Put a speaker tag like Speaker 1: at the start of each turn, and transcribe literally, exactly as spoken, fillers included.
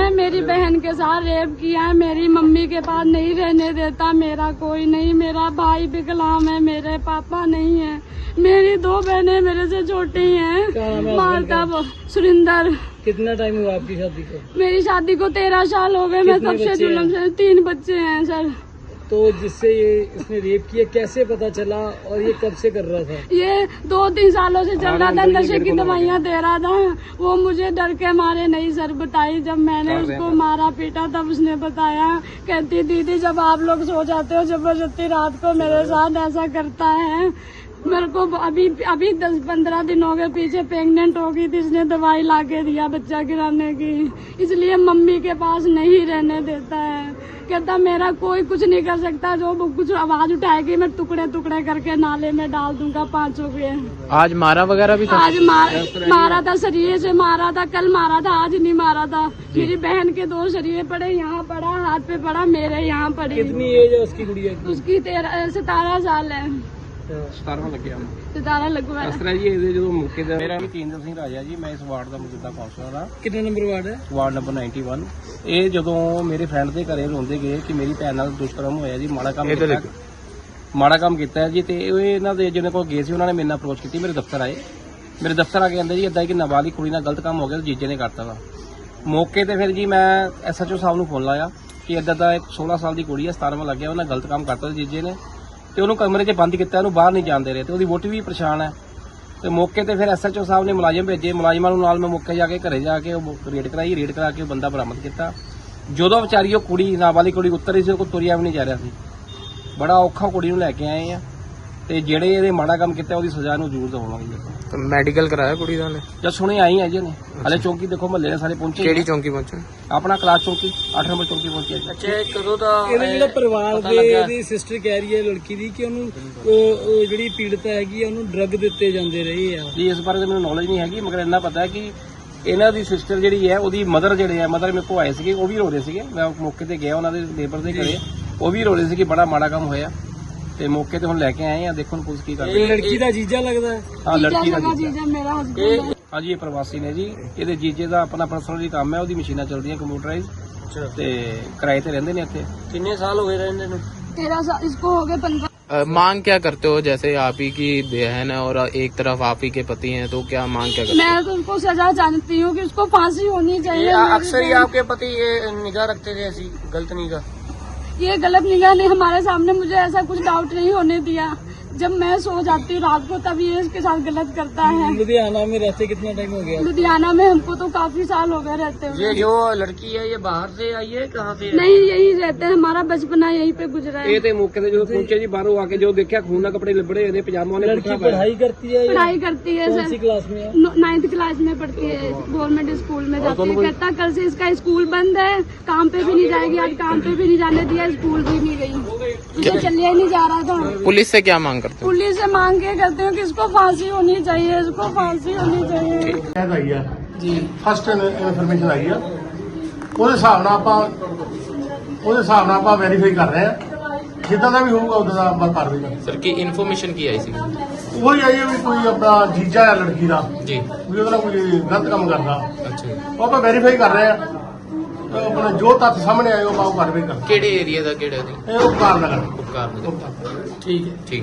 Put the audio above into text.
Speaker 1: उसने मेरी बहन के साथ रेप किया है, मेरी मम्मी के पास नहीं रहने देता, मेरा कोई नहीं, मेरा भाई विकलांग है, मेरे पापा नहीं है, मेरी दो बहनें मेरे से छोटी हैं। मारता वो सुरिंदर।
Speaker 2: कितना टाइम हुआ आपकी शादी को?
Speaker 1: मेरी शादी को तेरह साल हो गए। मैं सबसे जुल्म से तीन बच्चे हैं सर।
Speaker 2: तो जिससे ये इसने रेप किया कैसे पता चला और ये कब से कर रहा था?
Speaker 1: ये दो तीन सालों से चल रहा था, नशे की दवाइयाँ दे रहा था। वो मुझे डर के मारे नहीं सर बताई। जब मैंने उसको मारा पीटा तब उसने बताया, कहती दीदी जब आप लोग सो जाते हो जबरदस्ती रात को मेरे साथ ऐसा करता है। मेरे को अभी अभी दस पंद्रह दिन हो गए, पीछे प्रेग्नेंट हो गई थी, इसने दवाई ला के दिया बच्चा गिराने की, इसलिए मम्मी के पास नहीं रहने देता है। कहता मेरा कोई कुछ नहीं कर सकता, जो कुछ आवाज उठाएगी मैं टुकड़े टुकड़े करके नाले में डाल दूंगा पांचों के।
Speaker 3: आज मारा वगैरह भी था?
Speaker 1: आज मार, मारा था, शरीर से मारा था, कल मारा था, आज नहीं मारा था। मेरी बहन के दो शरीर पड़े, यहाँ पड़ा, हाथ पे पड़ा, मेरे यहाँ पड़ी।
Speaker 2: कितनी एज है उसकी गुड़िया की?
Speaker 1: उसकी तेरह सतारह साल है।
Speaker 4: ਸਤਾਰਵਾਂ ਲੱਗਿਆ
Speaker 1: सतारह लगवा
Speaker 4: ਇਸ ਤਰ੍ਹਾਂ ਜੀ ਇਹਦੇ ਜਦੋਂ ਮੌਕੇ ਤੇ ਮੇਰਾ ਵੀ ਤੇਂਦਰ ਸਿੰਘ ਰਾਜਾ ਜੀ, ਮੈਂ ਇਸ ਵਾਰਡ ਦਾ ਮੌਜੂਦਾ ਕਾਉਂਸਲਰ ਹਾਂ।
Speaker 2: ਕਿੰਨੇ ਨੰਬਰ ਵਾਰਡ ਹੈ?
Speaker 4: ਵਾਰਡ ਨੰਬਰ ਇਕਾਨਵੇਂ। ਇਹ ਜਦੋਂ ਮੇਰੇ ਫਰੈਂਡ ਦੇ ਘਰੇ ਰੋਂਦੇ ਗਏ ਕਿ ਮੇਰੀ ਭੈਣ ਨਾਲ ਦੁਸ਼ਕਰਮ ਹੋਇਆ ਜੀ, ਮਾੜਾ ਕੰਮ ਕੀਤਾ ਮਾੜਾ ਕੰਮ ਕੀਤਾ ਹੈ ਜੀ, ਤੇ ਇਹ ਇਹਨਾਂ ਦੇ ਜਿਹਨਾਂ ਕੋਲ ਗਏ ਸੀ ਉਹਨਾਂ ਨੇ ਮੇਰੇ ਨਾਲ ਅਪਰੋਚ ਕੀਤੀ, ਮੇਰੇ ਦਫ਼ਤਰ ਆਏ। ਮੇਰੇ ਦਫ਼ਤਰ ਆ ਕੇ ਕਹਿੰਦੇ ਜੀ ਏਦਾਂ ਕਿ ਨਾਬਾਲਿਗ ਕੁੜੀ ਨਾਲ ਗਲਤ ਕੰਮ ਹੋ ਗਿਆ, ਜੀਜੇ ਨੇ ਕਰਤਾ ਵਾ। ਮੌਕੇ ਤੇ ਫਿਰ ਜੀ ਮੈਂ ਐਸਐਚਓ ਸਾਹਿਬ ਨੂੰ ਫੋਨ ਲਾਇਆ ਕਿ ਏਦਾਂ ਦਾ ਇੱਕ ਸੋਲਾਂ ਸਾਲ ਦੀ ਕੁੜੀ ਹੈ, ਸਤਾਰਵਾਂ ਲੱਗਿਆ, ਉਹਨਾਂ ਗਲਤ ਕੰਮ ਕਰਤਾ ਜੀਜੇ ਨੇ, ਤੇ ਉਹਨੂੰ ਕਮਰੇ 'ਚ ਬੰਦ ਕੀਤਾ, ਉਹਨੂੰ ਬਾਹਰ ਨਹੀਂ ਜਾਣ ਦੇ ਰਹੇ, ਤੇ ਉਹਦੀ ਵੋਟੀ ਵੀ ਪਰੇਸ਼ਾਨ ਹੈ। ਤੇ ਮੌਕੇ ਤੇ ਫਿਰ ਐਸਐਚਓ ਸਾਹਿਬ ਨੇ ਮੁਲਾਜ਼ਮ ਭੇਜੇ, ਮੁਲਾਜ਼ਮਾਂ ਨੂੰ ਨਾਲ ਮੈਂ ਮੌਕੇ ਜਾ ਕੇ ਘਰੇ ਜਾ ਕੇ ਉਹ ਰੇਡ ਕਰਾਈ, ਰੇਡ ਕਰਾ ਕੇ ਉਹ ਬੰਦਾ ਬਰਾਮਦ ਕੀਤਾ। ਜਦੋਂ ਵਿਚਾਰੀ ਉਹ ਕੁੜੀ ਨਾਬਾਲਿਗ ਕੁੜੀ ਉੱਤਰ ਰਹੀ ਸੀ, ਉਹ ਕੋਲ ਤੁਰਿਆ ਵੀ ਨਹੀਂ ਜਾ ਰਿਹਾ ਸੀ, ਬੜਾ ਔਖਾ ਕੁੜੀ ਨੂੰ ਲੈ ਕੇ ਆਏ ਆ, ਤੇ ਜਿਹੜੇ ਇਹਦੇ ਮਾੜਾ ਕੰਮ ਕੀਤਾ ਉਹਦੀ ਸਜ਼ਾ ਨੂੰ ਜ਼ਰੂਰ ਦਵਾਵਾਂਗੇ।
Speaker 3: ਮੈਡੀਕਲ ਕਰਾਇਆ ਕੁੜੀ ਦਾ ਨੇ?
Speaker 4: ਜਦ ਸੁਣੇ ਆਈ ਹੈ ਜੀ ਨੇ, ਹਲੇ ਚੌਂਕੀ ਦੇਖੋ ਮਹੱਲੇ ਦੇ ਸਾਰੇ ਪਹੁੰਚੇ।
Speaker 3: ਕਿਹੜੀ ਚੌਂਕੀ ਪਹੁੰਚੇ?
Speaker 4: ਆਪਣਾ ਕਲਾਸ ਚੌਂਕੀ ਅੱਠ ਨੰਬਰ ਚੌਂਕੀ ਪਹੁੰਚੀ।
Speaker 2: ਅੱਛਾ, ਕਦੋਂ ਦਾ ਇਹਦਾ ਜਿਹੜਾ ਪਰਿਵਾਰ ਦੇ ਇਹਦੀ ਸਿਸਟਰ ਕਹਿ ਰਹੀ ਹੈ ਲੜਕੀ ਦੀ ਕਿ ਉਹਨੂੰ ਉਹ ਜਿਹੜੀ ਪੀੜਤ ਹੈਗੀ ਉਹਨੂੰ ਡਰੱਗ ਦਿੱਤੇ ਜਾਂਦੇ ਰਹੇ ਆ
Speaker 4: ਜੀ, ਇਸ ਬਾਰੇ ਤਾਂ ਮੈਨੂੰ ਨੌਲੇਜ ਨਹੀਂ ਹੈਗੀ, ਮਗਰ ਇੰਨਾ ਪਤਾ ਹੈ ਕਿ ਇਹਨਾਂ ਦੀ ਸਿਸਟਰ ਜਿਹੜੀ ਹੈ ਉਹਦੀ ਮਦਰ ਜਿਹੜੇ ਆ ਮਦਰ ਮੇਰੇ ਕੋਲ ਆਏ ਸੀਗੇ, ਉਹ ਵੀ ਰੋ ਰਹੇ ਸੀਗੇ। ਮੈਂ ਮੌਕੇ ਤੇ ਗਿਆ ਉਹਨਾਂ ਦੇ ਲੇਬਰ ਦੇ ਘਰੇ, ਉਹ ਵੀ ਰੋ ਰਹੇ ਸੀ ਕਿ ਬੜਾ ਮਾੜਾ ਕੰਮ ਹੋਇਆ, ਤੇ ਮੌਕੇ ਤੇ ਹੁਣ ਲੈ ਕੇ ਆਏ ਆ, ਦੇਖੋ ਹੁਣ ਪੁਲਿਸ ਕੀ ਕਰਦੀ ਹੈ।
Speaker 2: ਲੜਕੀ ਦਾ ਜੀਜਾ ਲੱਗਦਾ ਹੈ?
Speaker 4: ਹਾਂ, ਲੜਕੀ ਦਾ ਜੀਜਾ
Speaker 1: जीजा मेरा हस्बैंड है।
Speaker 4: ਹਾਂਜੀ, ਇਹ ਪ੍ਰਵਾਸੀ ਨੇ ਜੀ, ਇਹਦੇ ਜੀਜੇ ਦਾ ਆਪਣਾ ਪਰਸਨਲੀ ਕੰਮ ਹੈ, ਉਹਦੀ ਮਸ਼ੀਨਾਂ ਚੱਲਦੀਆਂ ਕੰਪਿਊਟਰਾਈਜ਼, ਤੇ ਕਿਰਾਏ ਤੇ ਰਹਿੰਦੇ ਨੇ ਇੱਥੇ।
Speaker 2: ਕਿੰਨੇ ਸਾਲ ਹੋਏ ਰਹਿੰਦੇ ਨੂੰ?
Speaker 1: तेरह साल इसको हो गए पंद्रह।
Speaker 3: मांग क्या करते हो? जैसे आप ही की बहन है और एक तरफ आप ही के पति हैं, तो क्या मांग क्या करते हो?
Speaker 1: मैं तो उसको सजा जानती हूँ कि उसको फांसी होनी चाहिए।
Speaker 2: अक्सर ही आपके पति ये निगाह रखते थे, ऐसी गलत निगाह?
Speaker 1: ये गलत निगाह नहीं, हमारे सामने मुझे ऐसा कुछ डाउट नहीं होने दिया। जब मैं सो जाती हूँ रात को तब ये इसके साथ गलत करता है।
Speaker 2: लुधियाना में रहते कितना टाइम हो गया?
Speaker 1: लुधियाना में हमको तो काफी साल हो गए रहते हुए।
Speaker 2: ये जो लड़की है ये बाहर से आई है, कहाँ से?
Speaker 1: नहीं, यही रहते हैं, हमारा बचपना यहीं पे गुजरा है।
Speaker 4: ਇਹ ਤੇ ਮੌਕੇ ਤੇ ਜਦੋਂ ਪਹੁੰਚੇ ਜੀ, ਬਾਹਰੋਂ ਆ ਕੇ ਜੋ ਦੇਖਿਆ ਖੂਨ ਨਾਲ ਕੱਪੜੇ ਲਿਬੜੇ ਹੋਏ ਨੇ, ਪਜਾਮਾ ਨੇ
Speaker 2: लड़की पढ़ाई करती है?
Speaker 1: पढ़ाई करती है
Speaker 2: कौन सी
Speaker 1: सर,
Speaker 2: क्लास में है?
Speaker 1: नाइन्थ क्लास में पढ़ती है, गवर्नमेंट स्कूल में जाती है। कहता कल से इसका स्कूल बंद है, काम पे भी नहीं जाएगी, आज काम पे भी नहीं जाने दिया, स्कूल भी नहीं गई, उसे चलिए नहीं जा रहा था।
Speaker 3: पुलिस से क्या मांग करते हो?
Speaker 1: पुलिस से मांग के करते हो कि इसको फांसी होनी चाहिए, इसको फांसी होनी चाहिए।
Speaker 5: ਸ਼ਿਕਾਇਤ ਆਈ ਆ ਜੀ, ਫਸਟ ਇਨਫੋਰਮੇਸ਼ਨ ਆਈ ਆ, ਉਹਦੇ ਹਿਸਾਬ ਨਾਲ ਆਪਾਂ ਉਹਦੇ ਹਿਸਾਬ ਨਾਲ ਆਪਾਂ ਵੈਰੀਫਾਈ ਕਰ ਰਹੇ ਆ, ਜਿੱਦਾਂ ਦਾ ਵੀ ਹੋਊਗਾ ਉਦਾਂ ਦਾ ਆਪਾਂ ਕਾਰਵਾਈ ਕਰਾਂਗੇ।
Speaker 3: सर की इन्फॉर्मेशन की आई सी?
Speaker 5: ਉਹੀ ਆਈ ਆ ਵੀ ਕੋਈ ਆਪਣਾ ਜੀਜਾ ਆ ਲੜਕੀ ਦਾ,
Speaker 3: जी,
Speaker 5: ਵੀ ਉਹਦਾ ਕੋਈ ਗਲਤ ਕੰਮ ਕਰਦਾ,
Speaker 3: अच्छा।
Speaker 5: ਉਹ ਆਪਾਂ ਵੈਰੀਫਾਈ ਕਰ ਰਹੇ ਆ, ਤੇ ਆਪਣਾ ਜੋ ਤੱਥ ਸਾਹਮਣੇ ਆਏ ਉਹ ਆਪਾਂ ਉਹ ਕਾਰਵਾਈ ਕਰਾਂਗੇ।
Speaker 3: केड़े एरिया दा केड़े दी?
Speaker 5: ਇਹ ਉਹ ਕਾਰਨ ਨਗਰ
Speaker 3: उपकार
Speaker 5: ਠੀਕ ਹੈ।
Speaker 3: ठीक।